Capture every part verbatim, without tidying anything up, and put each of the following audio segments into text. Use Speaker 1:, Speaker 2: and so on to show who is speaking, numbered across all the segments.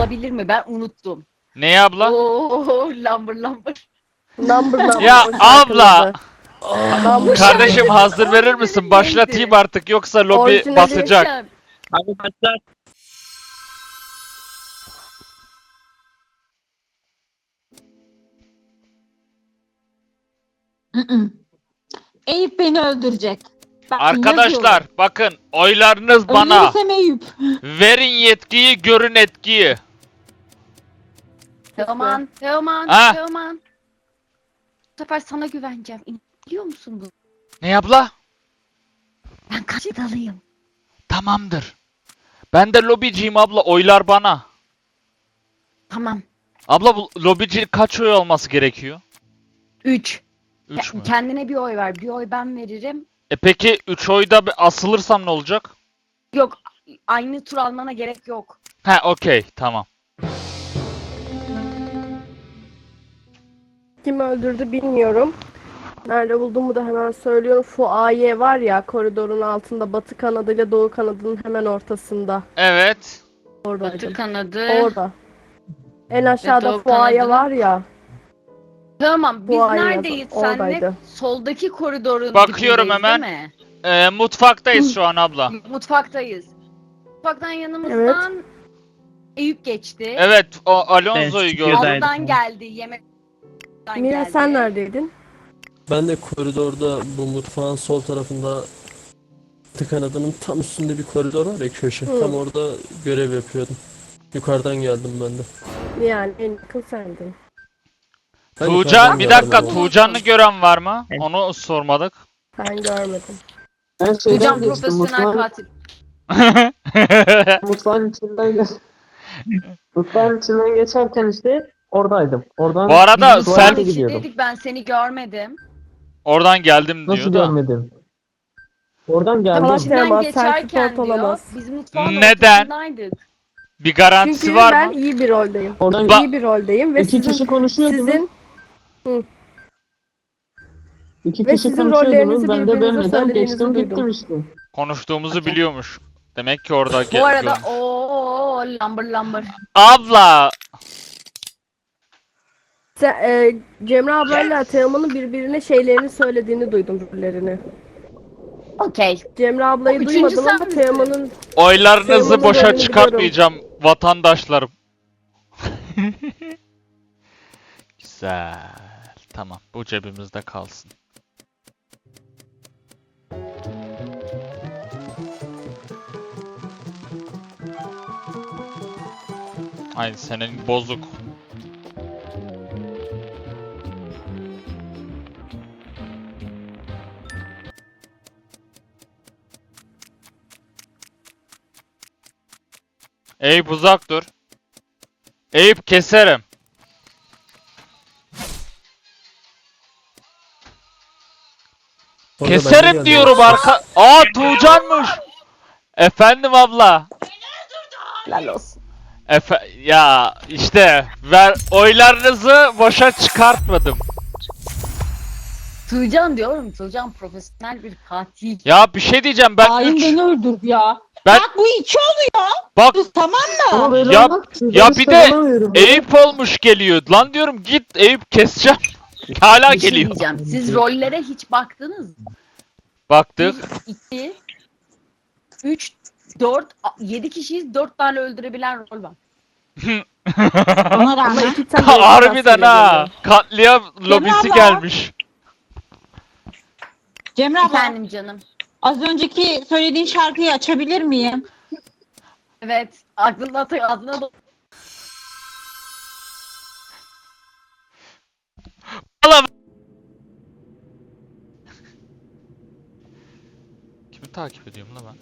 Speaker 1: olabilir mi? Ben unuttum.
Speaker 2: Ne abla?
Speaker 1: Oo, lambır lambır.
Speaker 3: Number number.
Speaker 2: Ya
Speaker 3: o şarkının
Speaker 2: abla!
Speaker 3: adı. Number
Speaker 2: Kardeşim
Speaker 3: number.
Speaker 2: hazır verir misin?
Speaker 1: Orijinali
Speaker 2: Başlatayım
Speaker 1: neydi?
Speaker 2: artık yoksa lobi
Speaker 3: Orijinali-
Speaker 2: basacak.
Speaker 1: Hocam,
Speaker 4: Hadi başlar.
Speaker 5: Eyüp beni öldürecek. Bak,
Speaker 2: Arkadaşlar
Speaker 5: yazıyorum.
Speaker 2: bakın oylarınız bana.
Speaker 5: Ölürsem Eyüp.
Speaker 2: Verin yetkiyi, görün etkiyi.
Speaker 1: Teoman, Teoman,
Speaker 2: Ha?
Speaker 1: Teoman. Bu sefer sana güveneceğim. Biliyor musun bu?
Speaker 2: Ne abla?
Speaker 1: Ben kaçtalıyım.
Speaker 2: Tamamdır. Ben de lobiciyim abla, oylar bana.
Speaker 1: Tamam.
Speaker 2: Abla bu lobici kaç oy olması gerekiyor?
Speaker 1: Üç.
Speaker 2: üç mü?
Speaker 1: Kendine bir oy ver. Bir oy ben veririm.
Speaker 2: E peki üç oyda bir asılırsam ne olacak?
Speaker 1: Yok. Aynı tur almana gerek yok.
Speaker 2: He okey tamam.
Speaker 3: Kim öldürdü bilmiyorum. Nerede bulduğumu da hemen söylüyorum. Fuaye var ya, koridorun altında, batı kanadıyla doğu kanadının hemen ortasında.
Speaker 2: Evet.
Speaker 3: Oradaydı.
Speaker 1: Batı kanadı.
Speaker 3: Orada. En aşağıda
Speaker 1: doğu
Speaker 3: fuaye
Speaker 1: kanadı.
Speaker 3: var ya.
Speaker 1: Tamam. Biz
Speaker 3: Fuaye
Speaker 1: neredeyiz
Speaker 3: yazan-
Speaker 1: senle?
Speaker 3: oradaydı.
Speaker 1: Soldaki koridorun
Speaker 2: Bakıyorum
Speaker 1: dibindeyiz,
Speaker 2: hemen.
Speaker 1: değil mi?
Speaker 2: Ee, mutfaktayız şu an abla.
Speaker 1: Mutfaktayız. Mutfaktan yanımızdan Eyüp geçti.
Speaker 2: Evet o Alonso'yu
Speaker 4: Evet,
Speaker 2: gördüm.
Speaker 4: çıkıyor.
Speaker 1: Aldan geldi. Yemekten
Speaker 3: Mira
Speaker 1: geldi.
Speaker 3: sen neredeydin?
Speaker 6: Ben de koridorda bu mutfağın sol tarafında batı kanadının tam üstünde bir koridor var ya, köşe.
Speaker 3: Hı.
Speaker 6: Tam orada görev yapıyordum. Yukarıdan geldim ben de.
Speaker 3: Yani en yakın sendin.
Speaker 6: Ben
Speaker 2: Tuğcan
Speaker 6: yukarıdan
Speaker 2: bir
Speaker 6: geldim
Speaker 2: dakika
Speaker 6: ama.
Speaker 2: Tuğcan'ı gören var mı?
Speaker 4: Evet.
Speaker 2: Onu sormadık.
Speaker 3: Ben görmedim.
Speaker 7: Ben şeyden
Speaker 1: Hocam
Speaker 7: geçtim.
Speaker 1: profesyonel
Speaker 7: Mutfağın,
Speaker 1: katil.
Speaker 7: mutfağın içinden ge- mutfağın içinden geçerken işte oradaydım. Oradan
Speaker 2: Bu arada
Speaker 1: Biz
Speaker 2: sen
Speaker 1: mutfağın
Speaker 7: gidiyordum.
Speaker 1: içindeydik, ben seni görmedim.
Speaker 2: oradan geldim diyor
Speaker 7: Nasıl
Speaker 2: da.
Speaker 7: görmedim? Oradan
Speaker 1: Tam
Speaker 7: geldim.
Speaker 3: Ama
Speaker 1: içinden
Speaker 3: Teoman,
Speaker 1: geçerken
Speaker 3: self-report
Speaker 1: diyor.
Speaker 3: olamaz.
Speaker 1: Biz mutfağın
Speaker 2: Neden?
Speaker 1: ortasındaydık.
Speaker 2: Bir garantisi
Speaker 3: Çünkü
Speaker 2: var
Speaker 3: ben
Speaker 2: mı?
Speaker 3: iyi bir roldeyim.
Speaker 7: Oradan
Speaker 2: Ba-
Speaker 3: İyi bir roldeyim ve
Speaker 7: iki
Speaker 3: sizin
Speaker 7: kişi konuşuyordunuz.
Speaker 3: sizin
Speaker 7: İki
Speaker 3: ve
Speaker 7: kişi
Speaker 3: sizin
Speaker 7: konuşuyordunuz.
Speaker 3: rollerinizi
Speaker 7: Ben de
Speaker 3: birbirinize
Speaker 7: bölmeden
Speaker 3: söylediğinizi
Speaker 7: geçtim
Speaker 3: duydum.
Speaker 7: gittim işte.
Speaker 2: Konuştuğumuzu
Speaker 1: Okey.
Speaker 2: biliyormuş. Demek ki orada
Speaker 1: Bu
Speaker 2: ge-
Speaker 1: arada
Speaker 2: görmüş.
Speaker 1: ooo lambır lambır.
Speaker 2: Abla
Speaker 3: Sen, e, Cemre ablayla Teoman'ın birbirine şeylerini söylediğini duydum, rollerini.
Speaker 1: Okey.
Speaker 3: Cemre ablayı
Speaker 1: O üçüncü
Speaker 3: duymadım
Speaker 1: sen
Speaker 3: ama
Speaker 1: misin?
Speaker 3: Teoman'ın
Speaker 2: oylarınızı
Speaker 3: Teoman'ın
Speaker 2: boşa
Speaker 3: rolünü
Speaker 2: çıkartmayacağım vatandaşlarım. Güzel. Tamam bu cebimizde kalsın. Ay senin bozuk. Eyüp uzak dur. Eyüp keserim.
Speaker 6: Orada ben de
Speaker 2: Keserim
Speaker 6: geldim.
Speaker 2: diyorum arka. Aa Tuğcan'mış. Efendim abla.
Speaker 1: Helal olsun.
Speaker 2: Efe ya işte ver oylarınızı boşa çıkartmadım.
Speaker 1: Tuğcan diyorum. Tuğcan profesyonel bir katil.
Speaker 2: Ya bir şey diyeceğim ben
Speaker 5: Hain
Speaker 2: üç
Speaker 5: beni öldürdü ya.
Speaker 2: Ben-
Speaker 5: Bak bu iki oluyor.
Speaker 2: bak
Speaker 5: Tamam
Speaker 7: Ama
Speaker 5: mı?
Speaker 7: böyle
Speaker 2: Ya-
Speaker 7: olmaz. Sizden
Speaker 2: ya
Speaker 7: hiç
Speaker 2: bir de
Speaker 7: kazanamıyorum.
Speaker 2: Eyüp olmuş geliyor. Lan diyorum git Eyüp keseceğim. Hala
Speaker 1: Bir şey
Speaker 2: geliyor.
Speaker 1: diyeceğim. Siz rollere hiç baktınız mı?
Speaker 2: Baktık.
Speaker 1: bir, iki, üç, dört, yedi kişiyiz. Dört tane öldürebilen rol var.
Speaker 5: Ona
Speaker 3: ama
Speaker 5: rağmen.
Speaker 3: iki tane
Speaker 2: Harbiden ha.
Speaker 3: geliyor.
Speaker 2: Katliam lobisi
Speaker 5: abla.
Speaker 2: gelmiş.
Speaker 5: Cemre abla
Speaker 1: Efendim canım.
Speaker 5: az önceki söylediğin şarkıyı açabilir miyim?
Speaker 1: Evet. Aklına da aklına da
Speaker 2: Kimi takip ediyorum lan ben?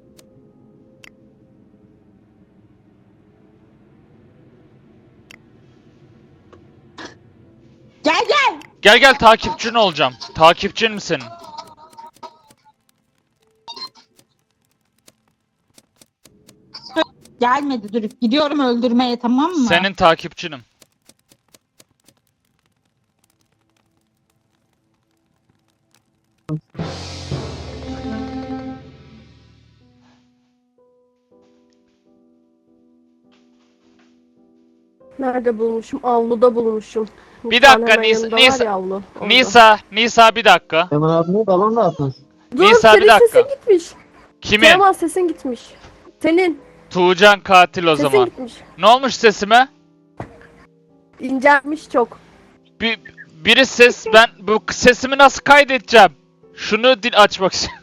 Speaker 5: Gel gel.
Speaker 2: Gel gel takipçin olacağım. Takipçin mi senin?
Speaker 5: Gelmedi dur. Gidiyorum öldürmeye, tamam mı?
Speaker 2: Senin takipçinim.
Speaker 3: Nerede bulmuşum? Avluda bulmuşum.
Speaker 2: Bir
Speaker 3: Mutfağın
Speaker 2: dakika,
Speaker 3: hemen
Speaker 2: Nisa-
Speaker 3: yanında
Speaker 2: Nisa-
Speaker 3: var ya avlu, orada.
Speaker 2: Nisa, Nisa bir dakika.
Speaker 7: Kemal abinin balon da atmış.
Speaker 3: Dur,
Speaker 2: Nisa, bir
Speaker 3: senin
Speaker 2: dakika.
Speaker 3: sesin gitmiş.
Speaker 2: Kimin?
Speaker 3: Kemal sesin gitmiş. Senin
Speaker 2: Tuğcan katil o
Speaker 3: sesin
Speaker 2: zaman.
Speaker 3: gitmiş.
Speaker 2: Ne olmuş sesime?
Speaker 3: İncelmiş çok.
Speaker 2: Bir, biri ses, ben bu sesimi nasıl kaydedeceğim? Şunu dil açmak istiyorum.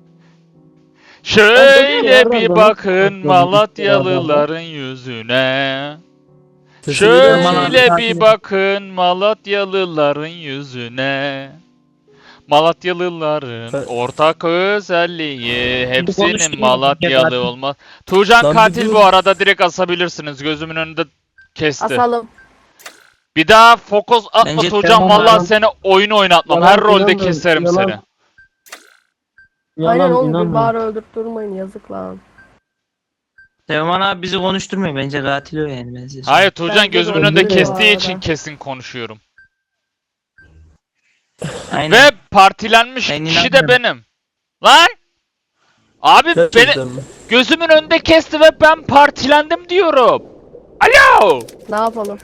Speaker 2: Şöyle bir bakın Malatyalıların yüzüne.
Speaker 6: Sesini duyuyorum.
Speaker 2: Şöyle bir bakın Malatyalıların yüzüne. Malatyalıların
Speaker 6: Ben-
Speaker 2: ortak özelliği hepsinin
Speaker 4: konuştum.
Speaker 2: Malatyalı olmaz. Tuğcan
Speaker 6: Ben
Speaker 2: katil bu
Speaker 6: biliyorum.
Speaker 2: arada, direkt asabilirsiniz. Gözümün önünde kesti.
Speaker 3: Asalım.
Speaker 2: Bir daha fokus atma
Speaker 4: Bence
Speaker 2: Tuğcan,
Speaker 4: tamam,
Speaker 2: vallahi
Speaker 7: yalan-
Speaker 2: seni oyunu oynatmam.
Speaker 7: yalan
Speaker 2: Her rolde
Speaker 7: inanmıyorum,
Speaker 2: keserim
Speaker 7: yalan-
Speaker 2: seni.
Speaker 3: Aynen
Speaker 7: Yalan
Speaker 3: oğlum bir
Speaker 7: inanmıyorum.
Speaker 3: bağır öldürüp durmayın yazık lan.
Speaker 4: Teoman abi bizi konuşturmuyor. Bence katil o yani. Ben size
Speaker 2: Hayır Tuğcan,
Speaker 3: Bence de
Speaker 2: gözümün
Speaker 7: öyle
Speaker 2: önünde
Speaker 7: bu
Speaker 2: kestiği
Speaker 3: arada.
Speaker 2: için kesin konuşuyorum.
Speaker 4: söyleyeyim. Aynen.
Speaker 2: Ve partilenmiş
Speaker 4: Ben
Speaker 2: kişi de
Speaker 4: inanmıyorum.
Speaker 2: benim. Lan! Abi beni
Speaker 6: Gerçekten mi?
Speaker 2: gözümün önünde kesti ve ben partilendim diyorum. Alo!
Speaker 3: Ne yapalım?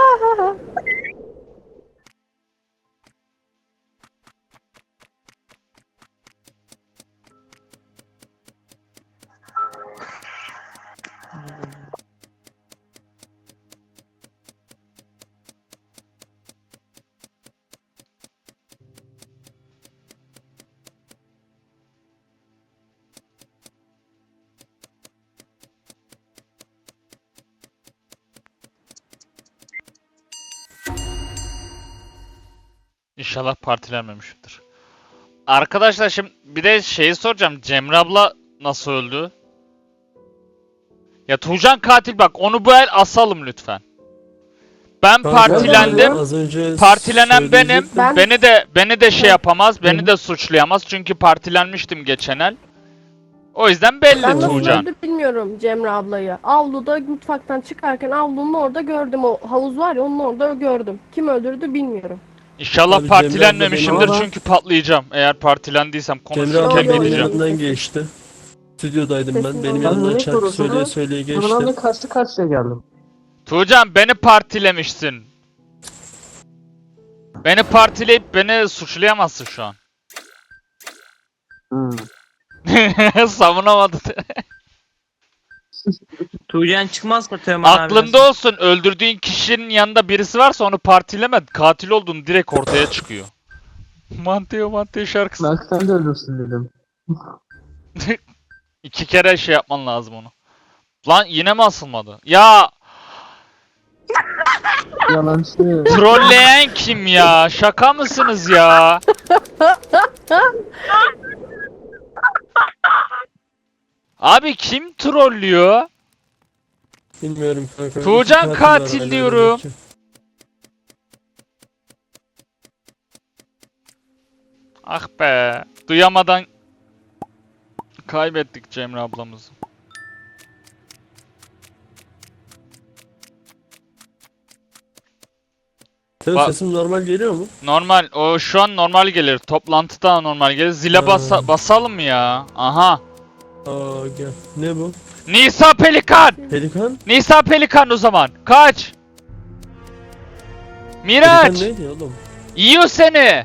Speaker 2: İnşallah partilenmemişimdir. Arkadaşlar şimdi bir de şeyi soracağım. Cemre abla nasıl öldü? Ya Tuğcan katil, bak onu bu el asalım lütfen. Ben
Speaker 6: Kanka,
Speaker 2: partilendim.
Speaker 6: Az önce
Speaker 2: Partilenen benim.
Speaker 6: söyleyecektim.
Speaker 3: Ben-
Speaker 2: Beni de beni de şey
Speaker 3: Ben-
Speaker 2: yapamaz, beni de suçlayamaz çünkü partilenmiştim geçen el. O yüzden belli
Speaker 3: Ben nasıl
Speaker 2: Tuğcan.
Speaker 3: öldü bilmiyorum Cemre ablayı. Avluda mutfaktan çıkarken avlunun orada gördüm. O havuz var ya onun orada gördüm. Kim öldürdü bilmiyorum.
Speaker 2: İnşallah
Speaker 6: Abi Cemre abla
Speaker 2: partilenmemişimdir
Speaker 7: benim-
Speaker 2: çünkü patlayacağım. Eğer partilendiysem
Speaker 6: Cemre
Speaker 2: konuşurken
Speaker 6: abla
Speaker 3: Yo, yo,
Speaker 6: benim
Speaker 3: yo.
Speaker 2: gideceğim.
Speaker 6: yanımdan geçti. Stüdyodaydım ben.
Speaker 3: Sesini
Speaker 6: Benim
Speaker 3: duydum.
Speaker 6: yanımdan
Speaker 7: Ben
Speaker 6: şarkı
Speaker 7: niye
Speaker 6: söyleye
Speaker 7: korudum?
Speaker 6: söyleye geçti.
Speaker 7: Bunlarla karşı karşıya geldim.
Speaker 2: Tuğcan beni partilemişsin. Beni partileyip beni suçlayamazsın şu an.
Speaker 7: Hmm.
Speaker 2: Savunamadı.
Speaker 4: Tuğcan çıkmazsa Teoman abi.
Speaker 2: Aklında olsun, öldürdüğün kişinin yanında birisi varsa onu partileme. Katil olduğunu direkt ortaya çıkıyor. Manteo Manteo şarkısı.
Speaker 7: Belki sen de ölürsün dedim.
Speaker 2: İki kere şey yapman lazım onu. Lan yine mi asılmadı? Ya
Speaker 7: Yalancı.
Speaker 2: trolleyen kim ya? Şaka mısınız ya? Abi kim trollüyor?
Speaker 6: Bilmiyorum kanka.
Speaker 2: Tuğcan
Speaker 6: İki katil var
Speaker 2: katil
Speaker 6: hala
Speaker 2: diyorum.
Speaker 6: belki.
Speaker 2: Ah be. Duyamadan kaybettik Cemre ablamızı.
Speaker 6: Teo
Speaker 2: Bak-
Speaker 6: sesim normal geliyor mu?
Speaker 2: Normal. O şu an normal gelir. Toplantıda normal gelir. Zile
Speaker 6: Ha.
Speaker 2: basa basalım mı ya? Aha.
Speaker 6: Aa gel. Ne bu?
Speaker 2: Nisa Pelikan.
Speaker 6: Pelikan?
Speaker 2: Nisa Pelikan o zaman. Kaç.
Speaker 6: Pelikan
Speaker 2: Miraç.
Speaker 6: neydi oğlum?
Speaker 2: Yiyor seni.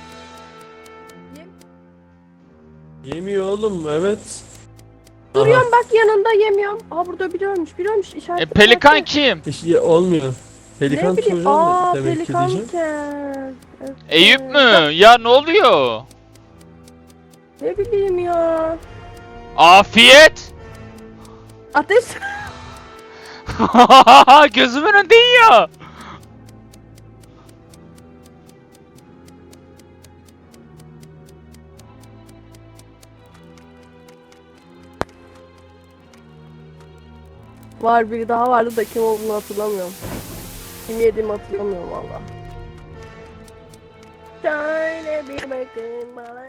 Speaker 6: Yemiyor oğlum evet. Aha,
Speaker 3: Duruyorum bak yanında yemiyorum. Aa burada biri ölmüş. Biri ölmüş. İşaret.
Speaker 2: E, Pelikan kim?
Speaker 6: hiç ye- olmuyor. Pelikan
Speaker 3: Ne bileyim.
Speaker 6: Tuğcan
Speaker 3: Aa
Speaker 6: demek ki diyeceğim.
Speaker 3: pelikanken. Evet.
Speaker 2: Eyüp mü? Ya ne oluyor?
Speaker 3: Ne bileyim ya.
Speaker 2: Afiyet.
Speaker 3: Ateş.
Speaker 2: Gözümün önünde yiyor.
Speaker 3: Var biri daha vardı da kim olduğunu hatırlamıyorum. Kim yediğimi hatırlamıyorum valla. Şöyle bir bakın bana.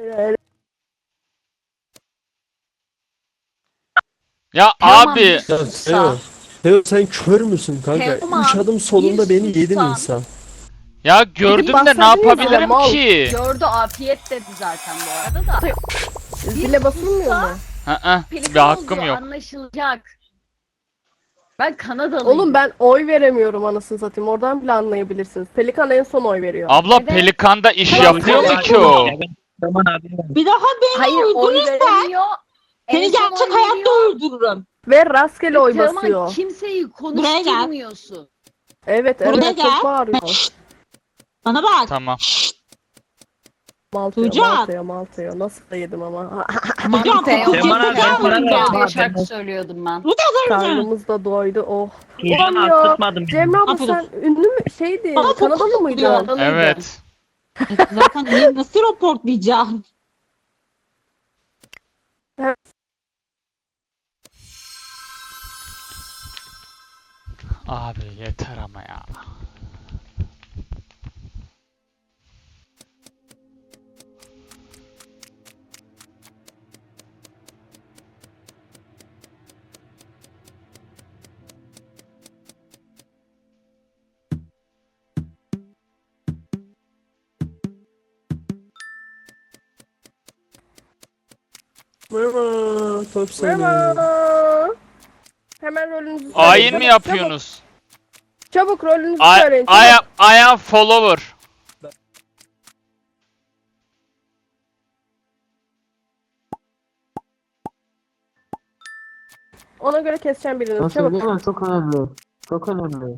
Speaker 2: Ya
Speaker 5: Tamam,
Speaker 2: abi.
Speaker 5: bir
Speaker 6: Ya
Speaker 5: sus
Speaker 6: Teo,
Speaker 5: da.
Speaker 6: Teo sen kör müsün kanka?
Speaker 5: Teoman,
Speaker 6: Üç adım solunda
Speaker 5: bir
Speaker 6: beni
Speaker 5: sus
Speaker 6: yedin
Speaker 5: lan.
Speaker 6: insan.
Speaker 2: Ya gördüm de ne
Speaker 3: bahsediyor
Speaker 2: yapabilirim
Speaker 3: bile, mal.
Speaker 2: ki?
Speaker 1: Gördü, afiyet dedi zaten bu arada da.
Speaker 3: Zile basılmıyor mu?
Speaker 2: Hı hı. Bir
Speaker 1: Pelikan
Speaker 2: hakkım
Speaker 1: olduğu
Speaker 2: yok.
Speaker 1: anlaşılacak. Ben Kanadalıyım.
Speaker 3: Oğlum ben oy veremiyorum anasını satayım. Oradan bile anlayabilirsiniz. Pelikan en son oy veriyor.
Speaker 2: Abla
Speaker 1: Neden?
Speaker 2: Pelikanda iş
Speaker 1: Hayır,
Speaker 2: yapıyor mu
Speaker 1: hayır.
Speaker 2: ki o?
Speaker 4: Teoman abi.
Speaker 5: Bir daha beni
Speaker 1: Hayır oy
Speaker 5: öldürürsen
Speaker 1: veremiyor. En
Speaker 5: seni
Speaker 1: son
Speaker 5: gerçek
Speaker 1: oy
Speaker 5: hayatta
Speaker 1: veriyor.
Speaker 5: öldürürüm.
Speaker 3: Ve rastgele oy
Speaker 1: Teoman,
Speaker 3: basıyor.
Speaker 1: kimseyi
Speaker 5: Buraya gel.
Speaker 1: konuşturmuyorsun.
Speaker 3: Evet
Speaker 5: Buraya
Speaker 3: evet
Speaker 5: gel.
Speaker 3: çok bağırıyor.
Speaker 5: Şşt. Bana bak.
Speaker 2: Tamam.
Speaker 3: Maltaya
Speaker 5: Tuğcan.
Speaker 3: maltaya maltaya. Nasıl da yedim ama.
Speaker 5: Hocam
Speaker 1: Teoman,
Speaker 5: kokut
Speaker 4: Teoman abi,
Speaker 5: yapacağım
Speaker 4: ben
Speaker 5: ben.
Speaker 4: bana-
Speaker 1: diye şarkı söylüyordum ben.
Speaker 3: Karnımız da doydu. Oh.
Speaker 4: Tuğcan
Speaker 3: Ulan ya.
Speaker 4: arttırmadım.
Speaker 3: Cemre abla
Speaker 5: Aferin.
Speaker 3: sen ünlü mü şeydin?
Speaker 5: Bana
Speaker 3: Kanadalı
Speaker 5: fokus
Speaker 3: mıydın?
Speaker 5: yapıyor.
Speaker 1: Kanadalıydım.
Speaker 2: Evet.
Speaker 5: Zaten ne- nasıl raportlayacağım?
Speaker 2: Abi yeter ama ya.
Speaker 6: Merhaba. Top söyle.
Speaker 3: Merhaba. Hemen rolünüzü söyleyin.
Speaker 2: Ayin mi
Speaker 3: Çabuk,
Speaker 2: yapıyorsunuz?
Speaker 3: Çabuk, çabuk rolünüzü
Speaker 2: I,
Speaker 3: söyleyin.
Speaker 2: I,
Speaker 3: Çabuk.
Speaker 2: am, I am follower.
Speaker 3: Ona göre keseceğim birini.
Speaker 7: Nasıl
Speaker 3: Çabuk.
Speaker 7: değil mi? Çok önemli. Çok önemli.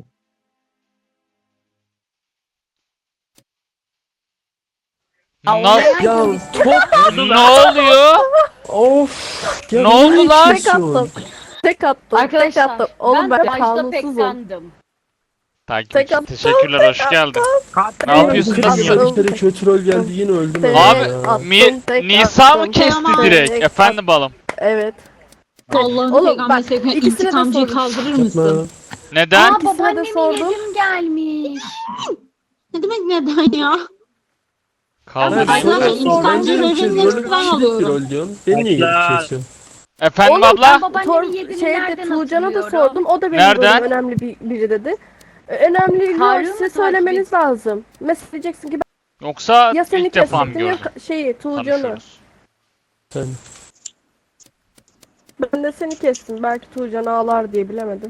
Speaker 2: Na-
Speaker 6: Ya top.
Speaker 2: ne oluyor?
Speaker 6: Of. Ya
Speaker 2: Ne
Speaker 6: niye
Speaker 2: oldu lan?
Speaker 3: Tek
Speaker 6: kesiyorsun?
Speaker 3: attım. Tek attım. Tek
Speaker 1: Arkadaşlar
Speaker 3: attım. Oğlum ben,
Speaker 1: ben başta
Speaker 3: kanunsuzum.
Speaker 1: peklendim.
Speaker 2: Takip
Speaker 3: Tek
Speaker 2: için
Speaker 3: attım,
Speaker 2: teşekkürler, hoş geldin. Ne
Speaker 3: Evet,
Speaker 2: yapıyorsunuz?
Speaker 3: attım.
Speaker 6: Bir kere kötü rol geldi yine öldüm
Speaker 3: Tek
Speaker 6: abi
Speaker 2: Abi,
Speaker 6: ya.
Speaker 3: attım,
Speaker 2: Mi,
Speaker 3: tek
Speaker 2: Nisa
Speaker 3: attım.
Speaker 2: mı kesti
Speaker 5: Tamam.
Speaker 2: direkt?
Speaker 3: Tek
Speaker 2: Efendim balım.
Speaker 3: Evet.
Speaker 5: Allah'ın
Speaker 3: Oğlum,
Speaker 5: peygamber
Speaker 3: bak,
Speaker 5: sevgine
Speaker 3: ikisine de
Speaker 5: intikamcıyı
Speaker 3: sordum.
Speaker 5: kaldırır mısın?
Speaker 6: Yapma.
Speaker 2: Neden?
Speaker 1: Aa
Speaker 3: İkisine de
Speaker 1: babaannemin
Speaker 3: sordum.
Speaker 1: yedim gelmiş.
Speaker 5: Ne demek neden ya?
Speaker 2: Kaldırın.
Speaker 5: Ay,
Speaker 6: Sonra
Speaker 5: zaten
Speaker 6: ben
Speaker 5: İnsancı
Speaker 6: diyorum ki
Speaker 5: rolünün
Speaker 6: rolü
Speaker 5: hepsinden
Speaker 6: kişilik bir
Speaker 5: alıyorum.
Speaker 6: rol diyorsun. Beni niye gelip
Speaker 4: Bekle.
Speaker 6: kesiyorsun?
Speaker 2: Efendim
Speaker 3: Oğlum,
Speaker 2: abla?
Speaker 1: Ben babaannemin
Speaker 3: Tor
Speaker 1: yediğini
Speaker 3: şeyde
Speaker 1: nereden
Speaker 3: Tuğcan'a da
Speaker 1: hatırlıyorum?
Speaker 3: sordum. O da benim
Speaker 2: Nereden?
Speaker 3: rolüm önemli bir, biri dedi. Ee, Önemli rol
Speaker 1: Harun mu
Speaker 3: size
Speaker 1: takip
Speaker 3: söylemeniz lazım. Mesela diyeceksin ki
Speaker 2: Yoksa
Speaker 3: ben ya seni
Speaker 2: ilk defa mı
Speaker 3: kesecektim ya
Speaker 2: gördün?
Speaker 3: ka- şeyi Tuğcan'ı.
Speaker 2: Tanışıyoruz.
Speaker 6: Sen.
Speaker 3: Ben de seni kestim. Belki Tuğcan ağlar diye bilemedim.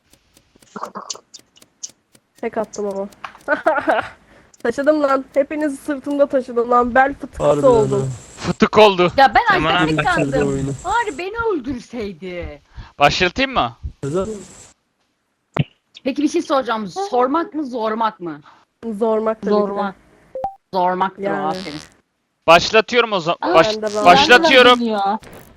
Speaker 3: Tek attım ama. Taşıdım lan. Hepinizi sırtımda taşıdım lan. Bel fıtıklısı
Speaker 6: Harbiden
Speaker 3: oldum.
Speaker 6: ha.
Speaker 2: Fıtık oldu.
Speaker 1: Ya ben
Speaker 4: Aman
Speaker 1: arkada
Speaker 4: abi,
Speaker 6: Bitirdi
Speaker 1: peklendim.
Speaker 6: oyunu.
Speaker 1: Bari beni öldürseydi.
Speaker 2: Başlatayım mı?
Speaker 6: Neden?
Speaker 1: Peki bir şey soracağım. Sormak mı zormak mı?
Speaker 3: Zormak tabii ki de.
Speaker 1: Zormak. Zormaktır
Speaker 3: Yani.
Speaker 1: o aferin.
Speaker 2: Başlatıyorum o zaman.
Speaker 1: Aa,
Speaker 2: Baş-
Speaker 3: ben de ben-
Speaker 2: başlatıyorum.
Speaker 5: Ya.